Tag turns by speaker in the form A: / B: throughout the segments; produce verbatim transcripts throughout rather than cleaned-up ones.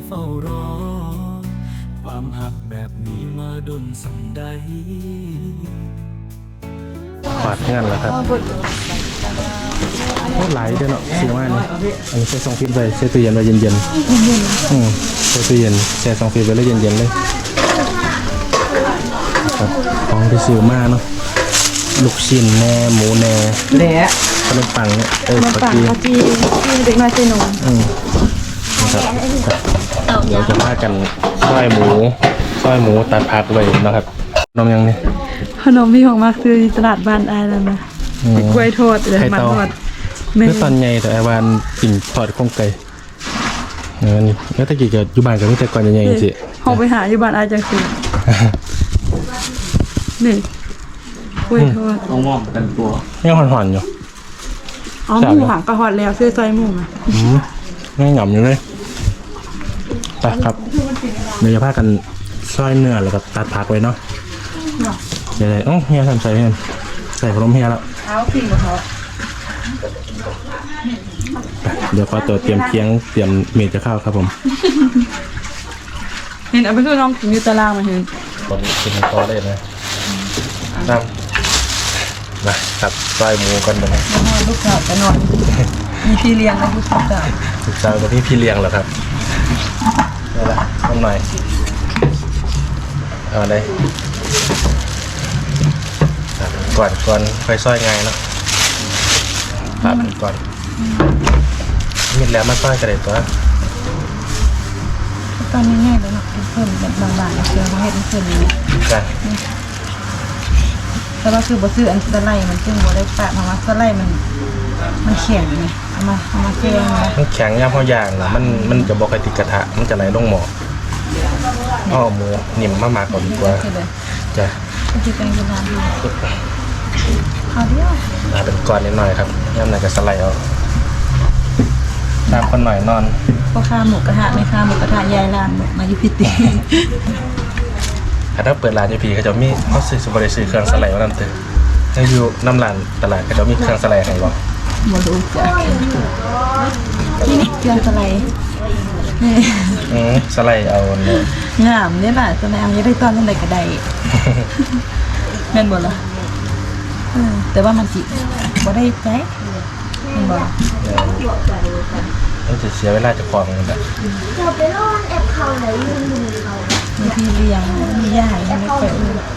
A: เฝ้ารอความหักแบบนี้มาดนสันใด
B: ขวาดงานแล้วครับโคตรไหลเด้อเนาะสีมากนี่อันนี้ใส่ซองฟิตไว้ใส่ตู้เย็นไว้เย็นๆอืมใส่ตู้เย็นใส่ซองฟิตไว้แล้วเย็นๆเลยครับของที่ซื้อมาเนาะลูกชิ้นแหน่หมูแหน่แหน่ขนมปังเนี่ยเออปกติที่เด็กน้อยใส่นมอืมนะครับเดี๋ยวจะพากันซอยหมูซอยหมูตัดผักไว้นะครับนมยังนี่
C: ขนมที่ของมากซื้อที่ตลาดบ้านอายแล้วนะกล้วยทอดเลยมันทอด
B: เมื่อตอนใหญ่แต่ไอ้วานปิ่นทอดข้องไก่เออนี่แล้วตะกี้ก็อยู่บ้านกับมิแต่ก่อนใหญ่ๆจริงๆ
C: เขาไปหาอยู่บ้านอายจังสินี่กล้วยทอด
D: เอาหม้อกันตัว
B: ยังห่อนๆอยู่
C: อ๋อหมูหังกระหอดแล้วซื้อซอยหมูนะ
B: อืมยังหย่ำอยู่เลยไปครับเดี๋ยวจะพากันซอยเนื้อแล้วก็ตัดผักไว้เนาะเดี๋ยวๆอ๋อเฮียทำใส่เฮียใส่ขนมเฮียแล้ว
C: เอาพิงกับเขา
B: เดี๋ยวขอตัวเตรียมเคียงเตรียมเมจจะเข้าครับผม
C: เห็นเอาไปซื้อน้องกินอยู่ตารางมาเห็น
B: ตอนนี้กินคอได้นะนั่งมาครับซอยหมูกันไปนะ
C: ลูกสาวจะนอนมีพี่เลี้ยงนะลูกสาว
B: ลูกสาวกับพี่พี่เลี้ยงเหรอครับนี่แหละต้องหน่อยเอาได้ก่อนก่อนไฟซอยไงเนาะตัดก่อนมีแล้วมาซอยกระเด็นตัว
C: ตอนนี้ง่ายเลยเนาะเพิ่มแบบบางๆเชื่อเขาให้เพิ่มนี้
B: กัน
C: แต่ว่าคือบะซื้ออันสไลด์มันซึ่งบะได้ปะเพราะว่าสไลด์มันมันแข็งไงเอามาเอามาแช่นะ
B: มันแข็งย่ำเพราะอย่างนะมันมันจะบอกไอติดกระทะมันจะไหลลงหม้ออ้อหมูนิ่มมากๆก่อนดีกว่าจ้ะ
C: ที่เป็นกระดานดูเอาเดียว
B: มาเป็นก้อนนิดหน่อยครับย่ำไหนจะสไลด์เอาตามคนหน่อยนอน
C: พ่อค้าหมูกระทะไม่ค้าหมูกระทะยายร้านมาอยู่พิตี
B: ถ้าเปิดร้านยูพีเขาจะมีเขาซื้อสุบริซื้อเครื่องสไลด์มาน้ำตื้อให้อยู่น้ำร้านตลาดเขาจะมีเครื่องสไลด์ให้บ่
C: หมดรู้จักนี่เครื่องสไลด์
B: อืมสไลด์เอาเนี่ย
C: งามเนี่ยแหละสไลด์เอาจะได้ตอนนั้นใดก็ได้แม่นบ่ล่ะแต่ว่ามันจิบ่ได้ใจแม่นบ่
B: ต้องจะเสียเวลาจะคลองกันแบบ
E: เราไปรอดแอบเขาไหนยืนดูเขา
C: มีพี่เลี้ยงมีย่าให้ไม่ไป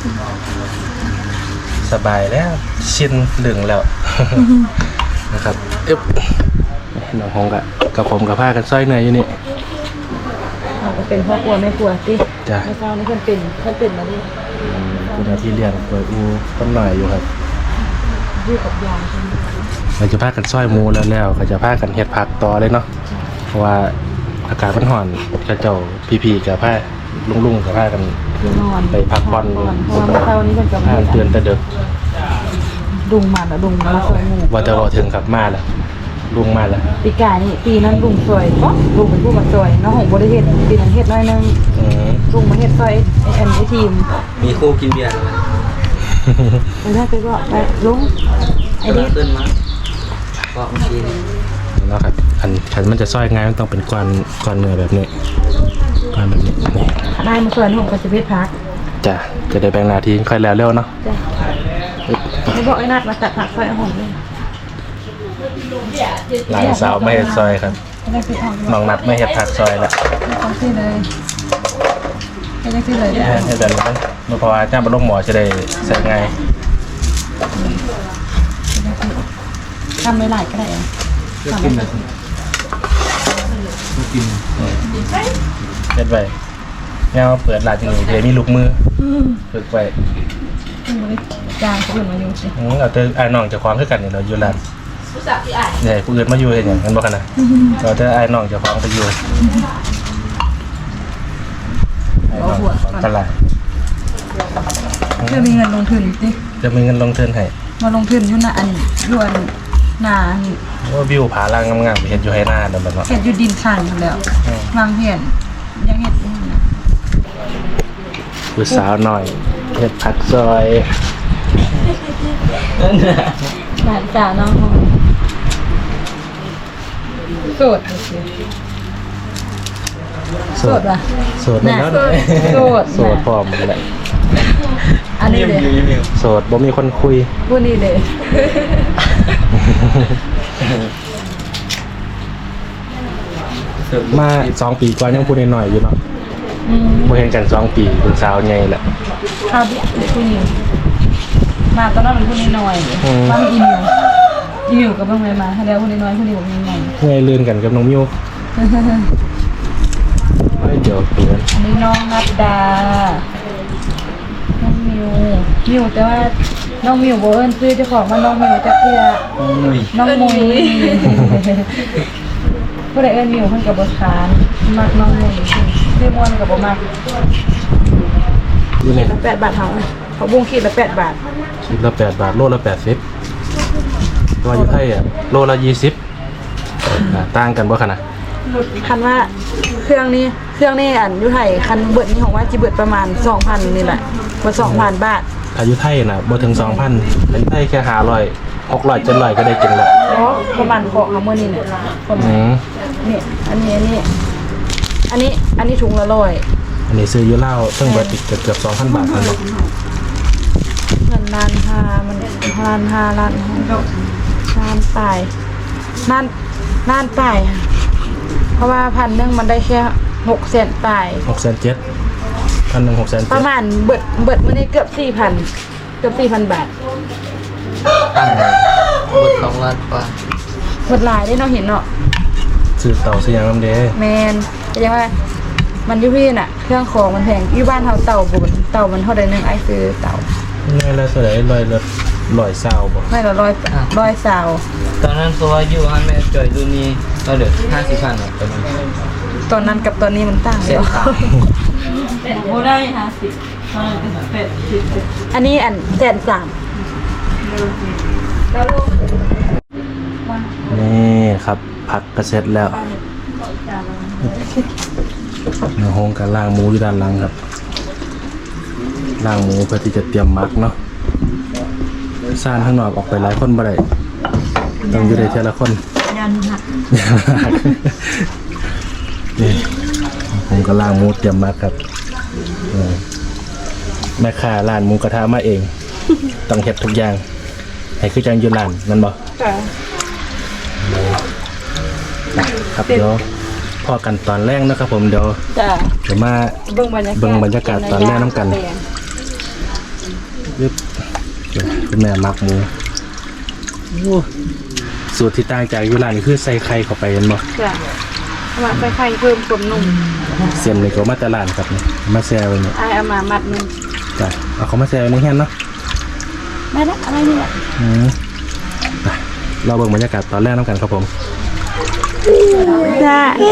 B: สบายแล้วชินเหลืองแล้วนะครับเอ๊บน้องหงกับกับผมกับผ้ากันสร้อยเนยอยู่นี่
C: เราก็เป็นพ่อครัวแม่ครัวสิ
B: จ้ะ
C: ไม่เจ้านี่เพิ่นเป็นเพิ่นเป็นมาดิ
B: คุณอาที่เลี้ยงเปิดอูต้นหน่อยอยู่ครับ
C: อยู่กับยาย
B: เราจะพากันสร้อยหมูแล้วแล้วก็จะพากันเฮ็ดผักต่อเลยเนาะเพราะว่าอากาศมันร้อนกระเจ้าพี่ๆกับผ้าลุงๆกับผ้ากันไปพักผ่อน
C: เพราะว่าเช้านี้เพิ่นก็
B: มาเตือนแต่เด็ก
C: ลุงมาแล้วลุงมาซอยหมู
B: ว่าจะว่าถึงกับมาแล้วลุงมาแล้ว
C: ปีกายนี่ปีนั้นลุงซอยก็ลุงเป็นผู้มาซอยน้องหงบ่ได้เฮ็ดปีนั้นเฮ็ดน้อยนึงลุงมาเฮ็ดซอยไอ้อันไอ้ทีม
D: มีคู่กินเบียร์
C: ไปได้ไปก็ไปลุงไอ้เด็ก
D: ขึ้นมาก็เมื่อกี้
B: แล้วครับอันฉันมันจะซอยง่ายมันต้องเป็นก้อนก้อนเนื้อแบบนี้ก้อนแบบนี้นี่
C: ได้มาซอยน้องก็จะเฮ็ดผัก
B: จ้ะจะได้แบ่งหน้าที่ค่อยแล้วเร็วเนาะ
C: จ้ะไม่บอกไอ้นัดมาตัดผักซอยหอมเลย
B: หลานสาวไม่เห็ดซอยครับน้องนัดไม่เห็ดผักซอยแหละ
C: ต้องซื้อเลยให้ได้ซื้อเลยได้
B: ให้แบบนี้เมื่อพอจ้าบรรลุหมอจะได้ใส่ไง
C: ทำไม่หลายก็ได้เอง
D: ก็กินเลยก็กิน
B: เฮ็ดไว้เงาเปิดร้านที่นี่เดี๋ยวมีลูกมือฝึกไว้
C: จางผู้อื่นมาอยู่สิ
B: เอาแต่ไอ้น้องจะคว้างขึ้นกันเนี่ยเราอยู่ร้านเนี่ยผู้อื่นมาอยู่เห็นอย่างนั้นบ่กันนะเราจะไอ้น้องจะคว้างไปอยู่ไอ้น้องตลาด
C: จะมีเงินลงทุนสิ
B: จะมีเงินลงทุนให้
C: มาลงทุนอยู่หน้าอันยวนหน้า
B: ว่าวิวผาล่างงามๆไปเห็นอยู่ให้หน้าเดิมแบบว่า
C: เห็ดอยู่ดินขันแล้ววางเห็นยังเห็ด
B: ผู้สาวหน่อยเห็ดผักซอย
C: หลานสาวน้องของสดโสดป่ะ
B: โสดแล้ว
C: โสด
B: โสดพร้อมแหละ
C: อันนี้เลย
B: โสดบ่มีคนคุย
C: พูดนี่เลย
B: มาสองปีก่อนยังพูดหน่อยๆอยู่เนาะ
C: อืม
B: บ่เห็นกันสองปีเป็นสาวใหญ่แหละ
C: ข้าวเบี้ยเด็กผู้หญิงมาตอนนั้นเป็นผู้น้อยๆ
B: อืม
C: มาอีมิวอีมิวกับเพิ่งไปมาให้แล้วผู้น้อยๆผู้นี้บอกยังไง
B: ใหญ่ลื่นกันกับน้องมิวเฮ้ยเดี๋ยวเตือน
C: อันนี้น้องนัดดา น้องมิว มิวแต่ว่าน้องมิวโบเอิญซื้อเจ้าของว่าน้องมิวจะเพื่อ
D: อุ้ย
C: น้องมุยผู้ใดเอิญมิวเพิ่นกับบทคานมักน้องมุยเรียกมวนกับบมัก
B: อยู่ใน
C: ขีดละแปดบาทเท่าเขาบุ้งขีดละแปดบาท
B: คิดละแปดบาทโลละแปดสิบตัวอยู่ไทยอ่ะโลละยี่สิบอ่าต่างกันบ่ขนาด
C: คันว่าเครื่องนี้เครื่องนี้อันอยุไทยคันเบิดนี้ของว่าจิเบิดประมาณสองพันนี่แหละว่าสองพันบาท
B: อายุไทยน่ะบ่ถึงสองพันอายุไทยแค่ห้าร้อยหกร้อยเจ็ดร้อยก็ได้กินละ
C: เพราะประมาณของเขาเมื่อนี้เนี่ยประมา
B: อื
C: ณ
B: ม
C: นี่อันนี้อันนี้ อันนี้อันนี้ถุงละร้อย
B: อันนี้ซื้ออยู่เล่าวซึ่งเบิดอีกเกือบๆสองพันบาทนั่นแหละ
C: เงินล้านห้ามันล้านห้าล้านหกล้านปลายล้านล้านปลายค่ะเพราะว่าพันหนึงมันได้แค่หกแสนปลาย
B: หกแสนเจ็ดพันหนึ่งหกแสน
C: ป
B: เจ็ด
C: ระมาณเบิดเบิดมื่อนี้เกือบสี่พันเกือบสี่พันบาท
D: ตั้งบทสองล้านกว่า
C: เบิดหลายได้เนาะเห็นเนาะ
B: ซื้อเต่าซื้อหยังนำเด้
C: แมนแต่ยังว่ามันอยุพี่น่ะ เครื่องของมันแพงอยู่บ้านเฮาเต่าบุญเต่ามันเท่าใดหนึงไอ้ซื้อเต่า
B: ง่ายแล้วเท่าไหร่ร้อยละร้อยเศร้าบ่
C: ไม่ละร้อยร้อยสาว
D: ตอนนั้นตัวอยู่ฮันแม่จอยดูนี่ก็เหลือห้าสิบพันหรอกตอนนั้น
C: ตอนนั้นกับตอนนี้มันต่าง
D: เสี
C: เดี
D: ย
C: ยว
D: ตังค์
C: โอ้ได้ห้าสิบอันนี้อันแสนสาม
B: นี่ครับผักกระเซ็จแล้วในห้องการล่างหมูอยู่ด้านหลังครับล่างหมูเพื่อที่จะเตรียมหมักเนาะซ่านข้างนอกออกไปหลายคนบ่ได้ต้องอยู่ได้ทีละคน
C: ยันหัก
B: นี่ผมก็ล่างหมูเตรียมหมักครับเออแม่ค้าร้านหมูกระทะมาเอง ต้องเฮ็ดทุกอย่างให้คือจังอยู่ร้านนั่นบ่
C: จ้ะ
B: ครับเดี๋ยวพอกันตอนแรกนะครับผมเดี๋ยว
C: จ้ะ
B: เดี๋ยวมา
C: เบิ่งบรรยากาศ
B: เบิ่งบรรยากาศตอนแรกน้ำกัน ยึบคุณแม่มักหมูโอ้สูตรที่ต่างจากอยูรานนี่คือใส่ไข่เข้าไปเห็นบ่
C: จ้ะเอามาใส่ไข่เพิ่มความนุ่ม
B: เส้นนี่ก็มาแตลาดครับนี่มาแซ่ไว้นี่
C: ไอ้เอามามัดหนึง
B: จ้ะเอาเขามาแซ่ไว้ในแฮนเนาะ
C: ได้ละอะไรนี่แหละ
B: อืมไปเราเบิ่งบรรยากาศตอนแรกน้ำกันครับผม
C: จ้ะเอ๊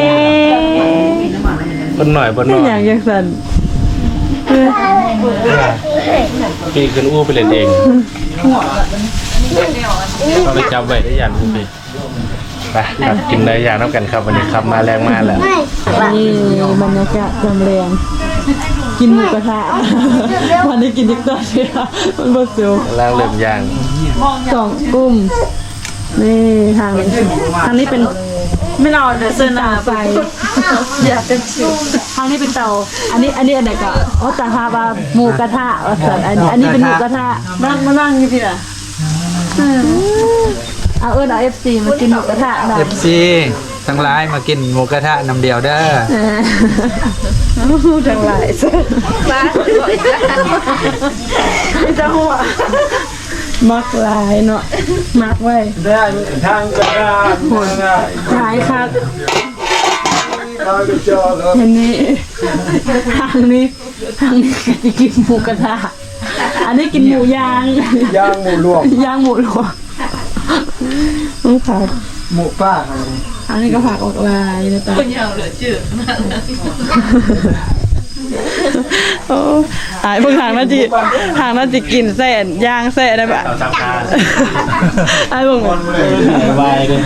B: เบิ่นหน่อยเบิ่นหน่อย
C: อย่างยังสั่น
B: ปีขึ้นอู้ไปเล่นเองเอาไปจับไว้ได้ยันอู้ไปไปครับกินได้ยางน้ำกันครับวันนี้ครับมาแรงมากแล้ว
C: นี่บรรยากาศจำเรียงกินหมูกระทะวันนี้กินติ๊กต๊อกใช่ไหมมันบดซิว
B: ล่างเริ่มย่าง
C: สองกุ้มนี่ทางนี้ทางนี้เป็นไม่เราเดี๋ยวเส้นหนาไฟอยากเป็นชิวทางนี้เป็นเตาอันนี้อันนี้อันไหนก็อ๋อตาฮาบาหมูกระทะว่าสันอันนี้อันนี้เป็นหมูกระทะนั่งมานั่งนี่พี่อ่ะเอาเอิญเอาเอฟซีมากินหมูกระทะหน่อย
F: เอฟซีทั้งหลายมากินหมูกระทะน้ำเดียวเด้อ
C: ทั้งหลายบ้าไม่จะหัวมักหลายเนาะมักไว้ได้ทางกระดานหัวหายครับเห็นนี้ทางนี้ทางนี้จะกินหมูกระทะอันนี้กินหมูย่างย่างหมูลวกย่างหมูลวกต้องผัด
F: หมูป้า
C: อันนี้ก็ผักออกลายนะจ๊ะคนยาวเหลือจืดโอ้หายพวกทางน่าจะทางน่าจะกินแส่นย่างแส่ได้ปะไอ้พวกมัน
B: วายเลย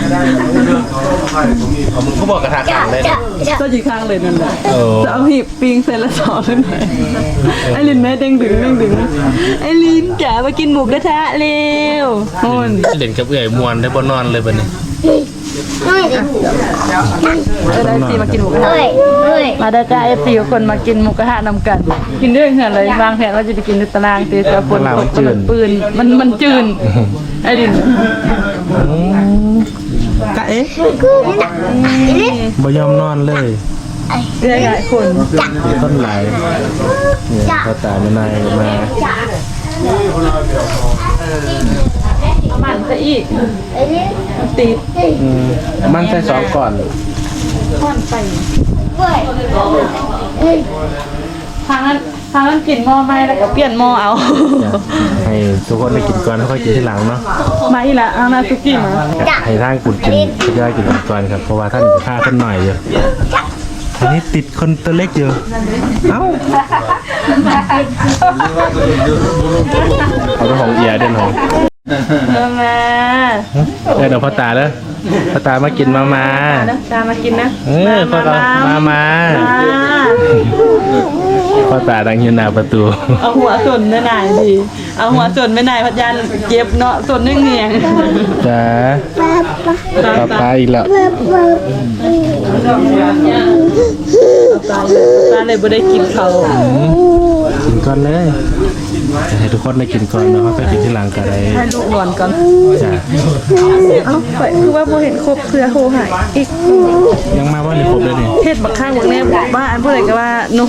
B: ผมก็บอกกระทะขังเลยนะ
C: ก็จีข้างเลยนั่นแหละ
B: โอ้
C: จะเอาหีบปิงเสร็จแล้วสอนเลยไอ้ลินแม่เด้งดึงเด้งดึงไอ้ลินจ๋ามากินหมูกระทะเร็วโอน
B: เล่นกับเอื่อยมวนได้บ่นอนเลยบัดนี้
E: เฮ้ย
C: เออได้ซีมากินหมูกระทะ
E: เฮ้ยเฮ้ย
C: มาได้จ้าเอฟซีคนมากินหมูกระทะนำกัน กินด้วยกันเลยวางแผนว่าจะไปกินในตารางตีแต่ฝนตกมันปืนมันมันจืนไอ้ดิน
B: กะเอ๊ะบ่ยอมนอนเลย
C: เรื่อยๆคน
B: ต้นไหลเนี่ยพ่อตาไม่นายมา
C: มันซะอีกตี
B: อืมมันใส่สองก่อน
C: ท่อนไป
E: เฮ้ยเฮ้ย
C: ทางนั้นทางนั้นกินหม้อไหม้แล้วก็เปลี่ยนหม้อเอา
B: ให้ทุกคนได้กินก่อนแล้วค่อยกินทีหลังเนาะ
C: มาอีละเอาหน้าซุกี้มา
B: ให้ท่านกุดกินก็ได้กินก่อนครับเพราะว่าท่านจะฆ่าท่านหน่อยอยู่อันนี้ติดคนตัวเล็กอยู่เอ้าเอาตัวของเอียเด่นของ
C: เออมา
B: เออเดี๋ยวพ่อตาเด้อพ่อตามากินมามา
C: นะตามมากินนะ
B: เออพ่อตามามาพ่อตาดังยืนหน้าประตู
C: เอาหัวส่วนไม่นายดีเอาหัวส่วนไม่นายพัดยันเก็บเนาะส่วนนึ่งเงียง
B: จ้าป้าป้าอีกแล้ว
C: ตาตาเลยบ่ได้กินเขา
B: กินก่อนเลยจะให้ทุกคนได้กินก่อนแล้วค่อยกินที่หลังก็ได้
C: ให้ลูกนอนก่อน
B: จ้า
C: เอ้าไปคือว่าบ่เห็นครบเพื่อโทรหายอีก
B: ยังมาว่าในครบเลยนี่
C: เฮ็ดบักข้างบักแน่บ้าอันผู้ใดก็ว่าหนู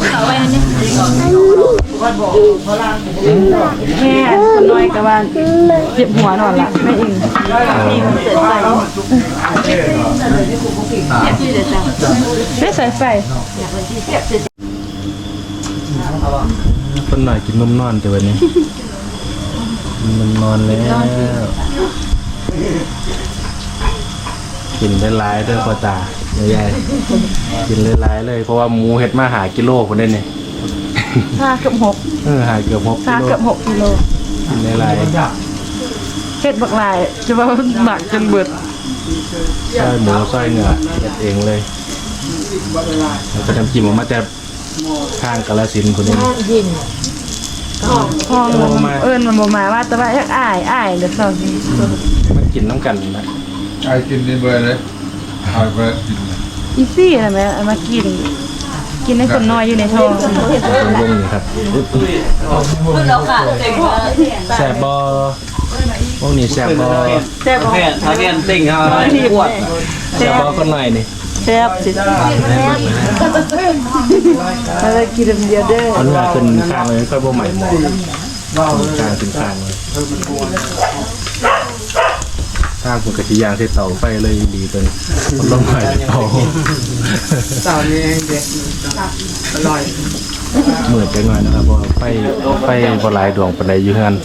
C: แม่คนน้อยก็ว่าเจ็บหัวนอนละแม่อิงไม่ใส่ไฟ
B: คนหน่อยกินนมนอนแต่วันนี้นมนอนแล้วกินได้หลายเด้อพ่อตาใหญ่ๆกินได้หลายเลยเพราะว่าหมูเฮ็ดมาหากิโลคนได้เนี่ย
C: ชาเกือบหก
B: เออหาเกือบหก
C: ชา
B: กิโล
C: เกือบหกกิโล
B: กินได้หลาย
C: เฮ็ดบักหลายจะว่าหมักจนเบิด
B: ซอยหมูซอยเนื้อเฮ็ดเองเลยแล้วก็ทำจิ้มออกมาแต่ข้างกาฬสินธุ์คนนี้
C: พ่อมันเอิ้นมันบ่มาว่าแต่ว่าอยากอ้ายอ้ายเด้อเซา
B: มันกินน้ำกันนะ
F: ไอ้กินนี่เบอร์เลยเอาไปกิน
C: อีซี่นะแม่เอามากิน กินให้คนน้อยอยู่ในท้อง
B: วงๆนี่ครับแซ่บบอวงนี้แซ่บบอ
C: แซ่บบ่
D: แค่ทาเรียนติ่งเขาที่ปวด
B: แซ่บบอคนหน่อยนี่
C: แซ่บสิอะไรกินเดียวเด้อ
B: เอาเนื้อขึ้นข้างเลยค่อยบ่ใหม่หมอข้างขึ้นข้างเลยข้างผมกระชิยางใส่เตาไฟเลยดีจนมันลงไปเตา
F: เต่านี่เด็กอร่อย
B: เหมือนจังหน่อยนะครับเพราะว่าไฟไฟบ่หลายดวงปานใดอยู่เฮือน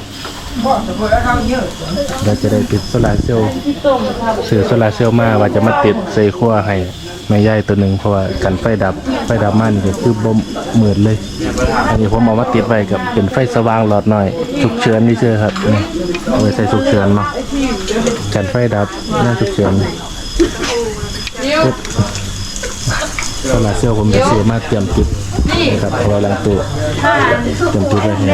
B: เราจะได้ติดโซลาร์เซลล์ซื้อโซลาร์เซลล์มาว่าจะมาติดใส่ครัวให้แม่ใหญ่ตัวหนึ่งเพราะว่ากันไฟดับไฟดับมานี่ก็คือบ่เหมือนเลย อันนี้ผมเอามาติดไว้กับเป็นไฟสว่างหลอดหน่อยฉุกเฉินนี่เชื่อครับนี่เอาไว้ใส่ฉุกเฉินมากันไฟดับหน้าฉุกเฉินโซลาร์เซลล์ผมจะซื้อมาเตรียมติดนะครับเอาไว้หลังตู้เตรียมติดไว้ให้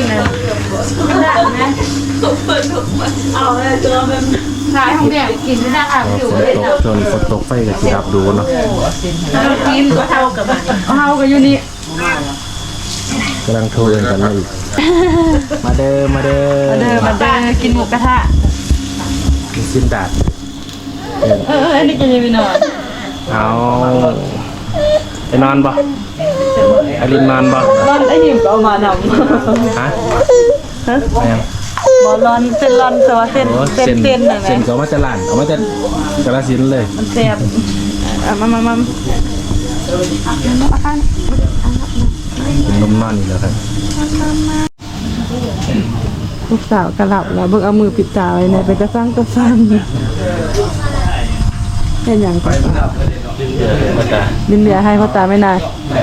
C: เอาเลยตัวมันขายของแดงกินไม่ได้อ่ะอยู่
B: ฝนตกจนฝนตกไฟก็สิดับดูเนาะ
C: กินก็เท่ากับมันเท่ากับอยู่นี่
B: กำลังโทรเองกันมาอีกมาเด้อมาเด้อ
C: มาเด้อมาเด้อกินหมูกระทะ
B: กินสิ้นดาด
C: เออเอออันนี้จะยังไม่นอน
B: เอาไปนอนบ่อลินนอนบ่
C: ร้อนไอ้หิมก็เอามานำ
B: ฮะ
C: ฮะ
B: ไปยัง
C: บอลร้อนเส้นร้อนแต่ว่าเส้น
B: โอ้
C: เส้น
B: เส้น
C: เส้นน่ะแห
B: เส้น
C: ละ
B: ก็เอามาจะล้านเอามาจะกระสินธุ์เลย
C: มันแซ่บเอามามามา
B: เป็นนมนอนนี่แหล้วครับ
C: ลูกสาวกระหลับแล้วเบิ่งเอามือปิดตาไว้เนี่ยไปกระซังกระซังเห็นอย่างก่อน
B: เดี๋ยวมาตา
C: ดินเหลือให้พ่อตาไม่นาน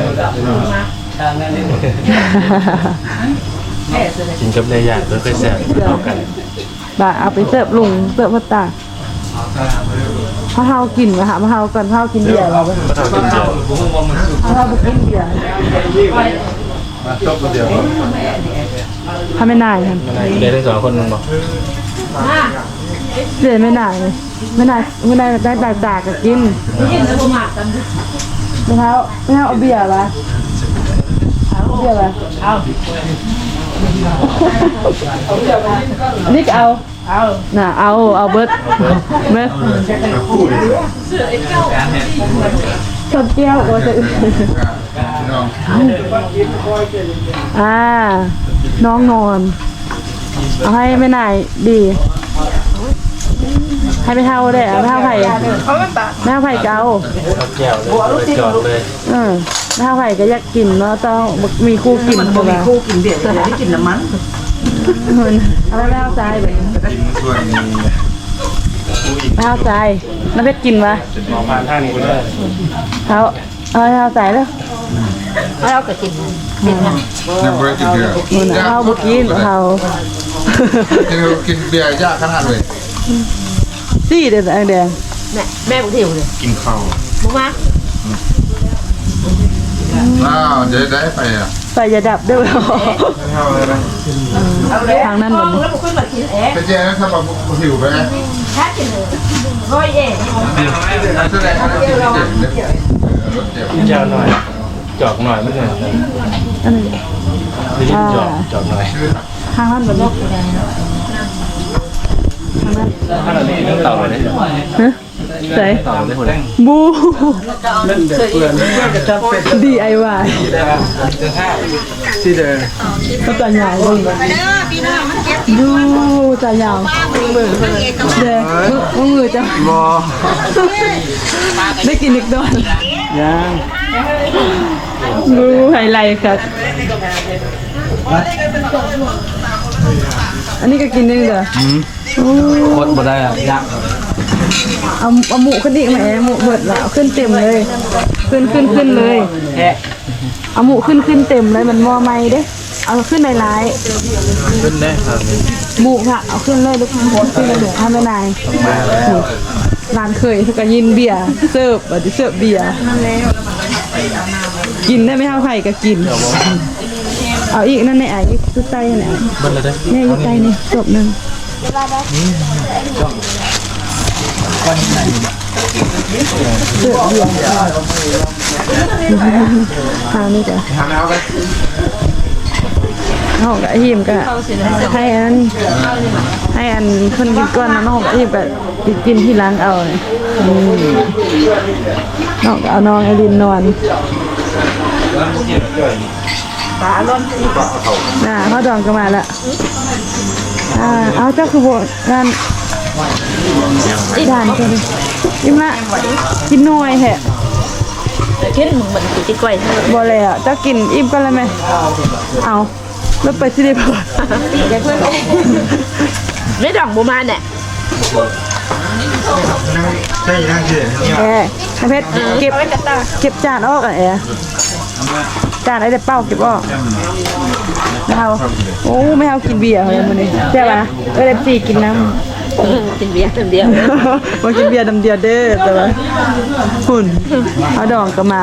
B: กินกับเนื้อย่างเพื่อค่อยแซ่บเท่ากัน
C: บ่าเอาไปเสิร์ฟลุงเสิร์ฟพ่อตาพ่อเฮากินวะฮะพ่อเฮาก่อนพ่อเฮากินเบียร์เรา
B: ก็เท่ากินเดียว
C: พ่อเฮาบ่กินเบียร์
F: จบคนเดียว
C: พ่อไม่นายครับ
B: เดี๋ยวทั้งสองคนมันบอก
C: เดี๋ยวไม่ได้เลยไม่ได้ไม่ได้ได้แต่จากกับกินกินแล้วผมหมักกันไม่เท้าไม่เท้าเอาเบียร์ปะเอาเบียร์ปะเอาอันนี้ก็เอาเอาน่ะเอาเอาเบิร์ดเบิร์ดชอบแก้วโอ้จะอ่าน้องนอนเอาให้ไม่นายดีให้ไม่เท่าได้ไม่เท่าไผ่ไม่เท่าไผ่เกา
B: แก้วเลยไปจอดเลย
C: เออไม่เท่าไผ่ก็อยากกินเนาะต้องมีคู่กินบ่มีคู่กินเบียร์จะได้กินน้ำมันอะไรไม่เท่าใจแบบไม่เท่าใจน้ำเพชรกินวะ
B: มองมาทางนี้ก็ได้
C: เขาเอาไม่เท่าใจแล้ว
E: เราก็กินกินนะ
G: ยังไม่ได้กินเบียร์
C: นู่นน่ะเขาเมื่อกี้เขา
G: กินกินเบียร์ยากขนาดเลย
C: ซี่เด็ดแดง
E: แม่แม่บุเที่ยวเลย
G: กินข้าว
E: บุมา
G: อ้าวเดี๋ยวได้ไปอ่ะ
C: ไฟจะดับด้วยทางนั้นหมด
G: ไปเจ๊ถ้าแบบหิวไปไหม
E: ร้อยเอ็ด
G: แสดงว่ากินเจ็บเลยเจ็บ
B: เจ้าหน่อย จอกหน่อยไม่ใช่
C: อันนี้
B: ได้ยินจอกจอกหน่อย
C: ทางนั้นหมดลูกทางนั้น
B: ถ้าเราไม่เต่าเลย
C: ฮะใส่
B: เต่าเลยหัวแดง
C: บู ดีไอวาย
B: ที่เดิน
C: ก็จะยาวเลยดูจะยาวเด้อมือจะ
B: บอ
C: ได้กินอีกดอน
B: ยัง
C: ดูไฮไลท์ครับอันนี้ก็กินได้เหรอ
B: โคตรบ่ได้อ่ะยาก
C: เอาเอาหมูขึ้นอีกไหมหมูเบิดละเอาขึ้นเต็มเลย ขึ้นขึ้นขึ้นเลย
B: แค่
C: เอาหมูขึ้นขึ้นเต็มเลยมันมอไม่เด้เอาขึ้นในร้าย
B: ขึ้นได้ครับ
C: หมูค่ะเอาขึ้นเลยลูกขึ้นเลยเดี๋ยวทำไม่นายร้านเคยทุกยินเบียร์เสิร์ฟบัดนี้เสิร์ฟเบียร์กินได้ไม่เท่าไข่ก็กิน เอาอีกนั่นในไอ้ตุ๊ไตนั่นแหละ
B: เบิ้ลเลยได้
C: เนี่ยตุ๊ไตนี่จบหนึ่งเสิร์ฟเบียร์ทางนี้จ้ะ
G: ทำแล้วไป
C: น้องกับหิมก็ให้อันให้อันคนกินก้อนนะน้องกับหิมก็กินที่ล้างเอาเนี่ยน้องก็เอาน้องไอรินนอนตาล้นน่ะเขาดองกันมาแล้วอ่าเอาเจ้าคือโบงานอีทานกันเลยยิ้มละกินน้อยแฮะ
E: กินมึงเหมือนกินที่กล้วย
C: บ่เลยอ่ะเจ้ากินอิ่มก็เลยไหมเอาแล้วไปสิได้ป่ะ
E: ไม่ดองบุมาเนี่ย
G: ใช่นั่งเฉย
C: แอร์เพชรเก็บเก็บจานออกอ่ะแอร์จานไอ้เด็ดเป้าเก็บออกไม่เอาโอ้ไม่เอากินเบียร์เลยมันนี่ใช่ป่ะเออเด็ดสี่กินน้ำ
E: กินเบียร์คนเดียว
C: มากินเบียร์ดำเดียวเด้อแต่ว่าหุ่นเอาดองก็มา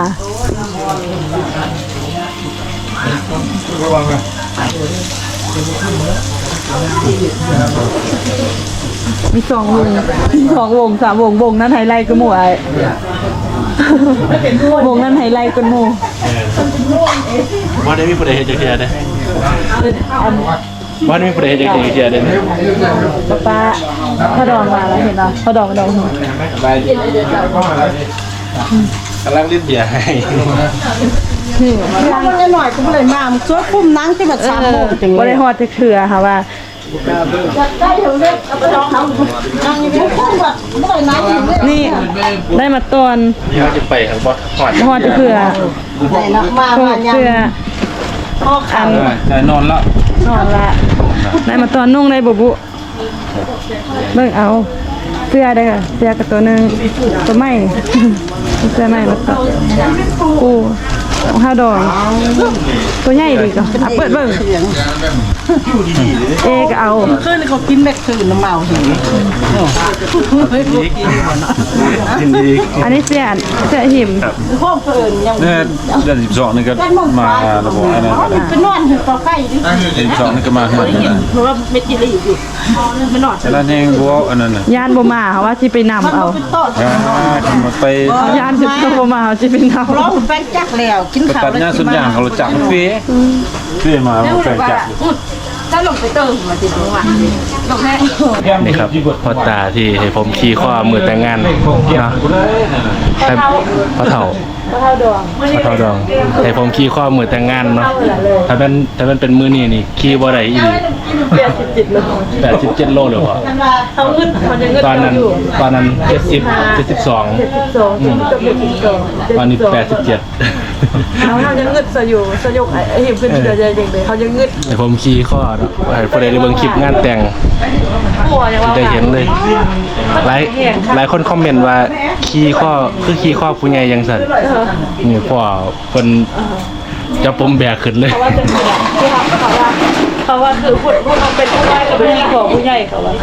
C: มีสองวงสองวงสามวงวงนั้นไฮไลท์ก็หมู่ไอ้วงนั้นไฮไลท์ก็หมู่
B: ว่าได้มีประเด็นจะเคลียร์ได้
C: อัน
B: ว่าได้มีประเด็นจะเคลียร์ได้
C: ป้าป้าพอดองมาแล้วเห็นเหรอพอดองดอง
B: ไปกำลังลิ้นเบียร์ให้
H: นั่งได้หน่อยก็ไม่ได้มามันช่วยปุ่มนั่งที่แบบสามโมงจัง
C: บ่
H: เลย
C: ได้ฮอดเถื่อค่ะว่า
H: ได้เถอะเลยเอาไปลองทำนั่งอยู่ปุ๊บปุ๊บแบบไม่ได้นั่งอยู่เลย
C: นี่ได้มาตอน
B: นี่เขาจะไปทางบอสหอด
C: ฮอดเถื่อ
H: ไหนนะมา
C: ฮอ
H: มา
C: ด
H: ยัง
C: เถื่อ
H: พ่อ
C: อั
H: ขาน
B: แต่นอนแล้ว
C: นอนละได้มาตอนนุ่งได้บุบุเบิ่งเอาเสื้อได้ค่ะเสื้อกับตัวหนึงตัวใหม่เสื้อใหม่มาต่อกูข้าวดองตัวใหญ่ดีก็อ่ะเปิดเบิ่งเอก็เอา
H: คืนเขากินแม็กคืนน้ำเมาหิว
B: กินดี
C: อันนี้เสียนเสียหิม
H: ห้องเพิ่นยัง
G: เนี่ยเดือนสิบสองนี่ก็มาระบบอะไรนะ
H: เป็นนอนถึงปลาไก่ดิ
G: เดือนสิบสองนี่ก็มาเฮือนนะ
H: เพราะว่าเม็ดกินอะไรอยู่มันนอน
G: แล้วแห้งบัวอันนั้นน่ะ
C: ย่านบ่มาเขาว่าสิไปนำเอา
H: เป็นต้น
G: อ่าทำมาไป
C: ย่านสิบ่มาเขาสิไปนำ
H: ร้องแป้งจักแล้วกิน
G: ไป
H: ข้าว
G: ตัดหน้าสุดอย่างเขารู้จักเฟ้เฟ้มาแฟนจับ
E: ถ้าลงไปเติมมาสิตัวลงแค่
B: นี่ครับพ่อตาที่ให้ผมขี่ข้อมือแต่งงานเนาะให้พ่อเฒ่า
C: ข้าวดอง
B: พ่อเฒ่าดองให้ผมขี่ข้อมือแต่งงานเนาะถ้าเป็นถ้าเป็นเป็นมือนี่นี่ขี่บ่ได้อีหลีแปดสิบเจ็ดโลเลยพ่อ
C: เขาอึดเขาจะอึด
B: ตอนนั้นตอนนั้นเจ็ดสิบเจ็ดสิบสอง
C: สองจะเป็นสิบสอง
B: ตอนนี้แปดสิบเจ็ด
C: เขาเขาจะงึดสอยู่สยกไอ้หิมขึ้นเดือดจริงเลยเขาจะงึด
B: ให้ผมขี่ข้อเนาะให้ผู้ใดได้เบิ่งคลิปงานแต่ง
C: หัวอย่างว่า
B: ได้เห็นเลยหลายหลายคนคอมเมนต์ว่าขี่ข้อคือขี่ข้อผู้ใหญ่ยังสั่นนี่พ่อเพิ่นจะปมแบกขึ้นเลย
C: เขาว่าจะคือที่เขาเขาว่าเขาว่าคือพูดพูดเอาเป็นผู้ใหญ่กับผู้ใหญ่ของผู้ใหญ่เขาว่า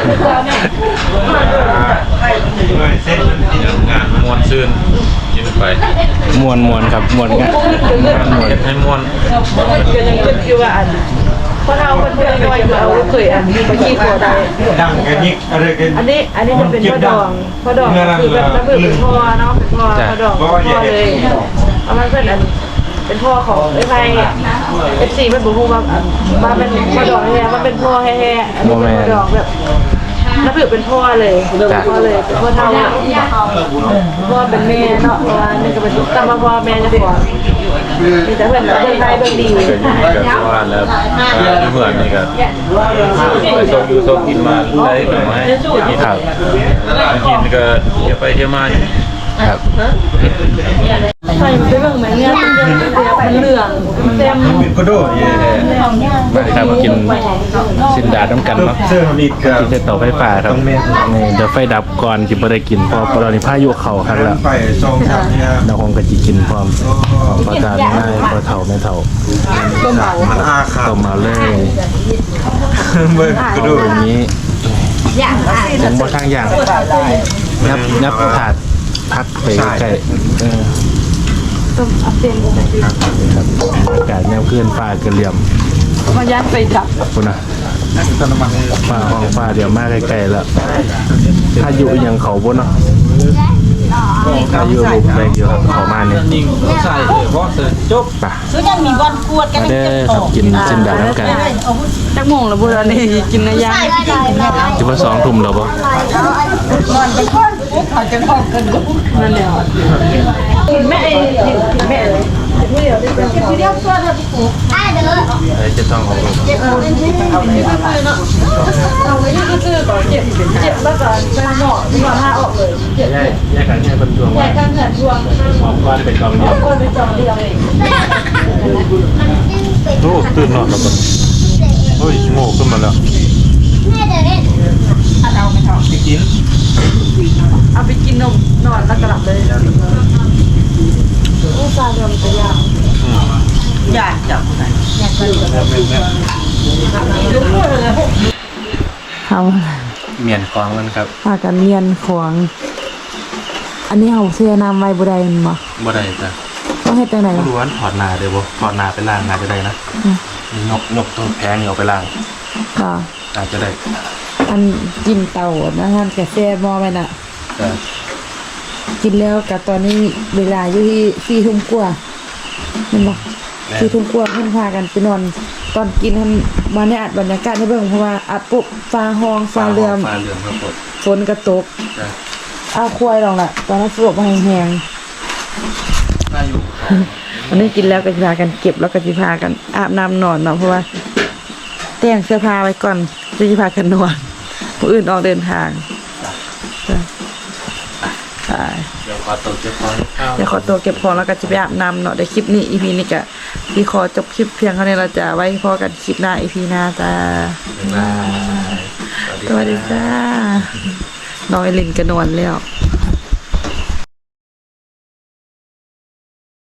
G: มวนซื่นกินไป
B: มวนมวนครับมวนงานมวน
G: ให้มวน
C: ก็ยังคิดอยู่ว่าอันเพราะเราเป็นเพื่อนน้อยเราเคยอันไปขี้ขวได้
G: ดังกันยิกอะไรกัน
C: อันนี้อันนี้จะเป็นพ่อดองพ่อดองคือแบบระเบิดเป็นพ่อเนาะเป็นพ่อพ่อดองพ่อเลยเอามาเป็นอันเป็นพ่อของไอ้ไพ่เอฟซีมันบอกว่ามาเป็นพ่อดองแท้มันเป็นพ่อแท้ๆอันนี้เป็นพ่อดองแบบนับถือเป็นพ่อเลยพ่อเลยเป็นพ่อเท่าพ่อเป็นแม่เนาะเพราะว่านี่ก็เป็นตามพ่อแม่จะขอมีแต่เพื่อนเพื่อนไทยเพื่อนดี
G: ก็อยู่กับว่าแล้วเหมือนนี่ก็ไปส่งอยู่ส่งกินมาได้หน่อย
B: ครับ
G: กินก็เที่ยวไปเที่ยวมา
B: ครับ
C: ใส่มันไปเบิ่งแม่เนี่ยมันมันเหลืองเต็ม
G: ก็โดดเย่
B: มาครับกินสินดาดน้ำกันเนาะ
G: เสื้อนี่ก็
B: ที่เสเตาไฟฟ้าครับนี่เดี๋ยวไฟดับก่อนจิบ่ได้กินเพอตอนนี้พายุเข้าครับแล้ว
G: ไปสองสามเนี่ย
B: เราคงก็สิกินพร้อมพอตาไม่ได้พอเฒ่าไม่เฒ่า
G: มันอาขา
B: ต้มมาเลย
G: เบิ่งก็โดด
B: อย่างนี้ยังบ่ทางอย่างยับยับถาดพักไปใกล้ๆเออ
C: ต้มอัพเดน
B: ครับอากาศแนวเคลื่อนฟ้ากระเหลี่ยม
C: มายัดไปดับ
B: คุณนะฟ้าห้องฟ้าเดี๋ยวมาใกล้ๆแล้วถ้าอยู่อยังเขาบนเนาะถ้าอยู่บุกแบกอยู่ครับเขามาเนี่ย
D: นิ่งใส่เพราะเสร็จจบ
B: ป่ะ
H: คือยังมีวันกวดกัน
B: มาเด้อครับกินสินดาน้ำกัน
C: จักโมงแล้วบุญอันนี้กินในย่าง
B: ที่ว่าสองทุ่มแล้วปะ
C: นั่นแหละแม่ไอ้แม่เลย
B: ไอ้เจะต้องของลูก
C: เอาไว้ที่คือก่อนเจ็บเจ็บแล้วก็ไปหมอดีกว่าพาออกเลยเจ็บ
B: แยกแยกกันแยกเป็นดวง
C: แยกกันเหินช่วง
B: ก้อนเป็นกองเดียว
C: คนไปจองเดียวเอง
G: โอ้ตื่นนอนแล้วก็เฮ้ยโง่ขึ้นมาแล้ว
C: เอาไปกินนมนอนแล้วก็หลับเลยโอ้ตาเดิมจะยาก
H: อยากจับ
C: เขา
B: เมียนคลองกันครับ
C: พากันเมียนของ อันนี้เขาเสียน้ำไว้บุได้มันบ่
B: บ่ได้จ้ะ
C: ต้องเฮ็ดจังได๋
B: ล้วนถอดหนาเดี๋ยวบ่ถอดหนาไปล้างหนาจะได้นะนี่นกนกตัวแพงนี่เอาไปล้าง
C: ค่ะ
B: อาจจะได้
C: อันกินเต่านะท่านกาแฟมอไปน่ะ
B: แต่
C: กินแล้วกับตอนนี้เวลาอยู่ที่สี่ทุ่มกว่าแมันบอกสี่ทุ่มกว่าเพิ่นพากันไปนอน ตอนกินท่านมาในอัดบรรยากาศให้เบิ่งเพราะว่าอัดปุ๊บฟ้าห้องฟ้าเรือม
B: ฟ้าเรืองครับผม
C: ฝนกระตก
B: จ้ะ
C: อ้าวควายลองล่ะ ตอนนั้นสลบมาแห้ง
B: ได้อยู่
C: ๆวันนี้กินแล้วก็สิพากันเก็บแล้วก็สิพากันอาบน้ำนอนเนาะเพราะว่าแต่งเสื้อผ้าไว้ก่อนจะสิพากันนอนผู้อื่นออกเดินทางจ้ะไป
B: เดี๋ยวขอตัวเก็บของข้าว
C: เดี๋ยวขอตัวเก็บของแล้วก็จะไปอาบน้ำเนาะเดี๋ยวคลิปนี้ อี พี นี้ก็พี่ขอจบคลิปเพียงเท่านี้เราจะไว้พอกันคลิปหน้า อี พี หน้าจ้า
B: บ๊ายบาย
C: สวัสดีจ้า น้องไอรินก็นอนแล้ว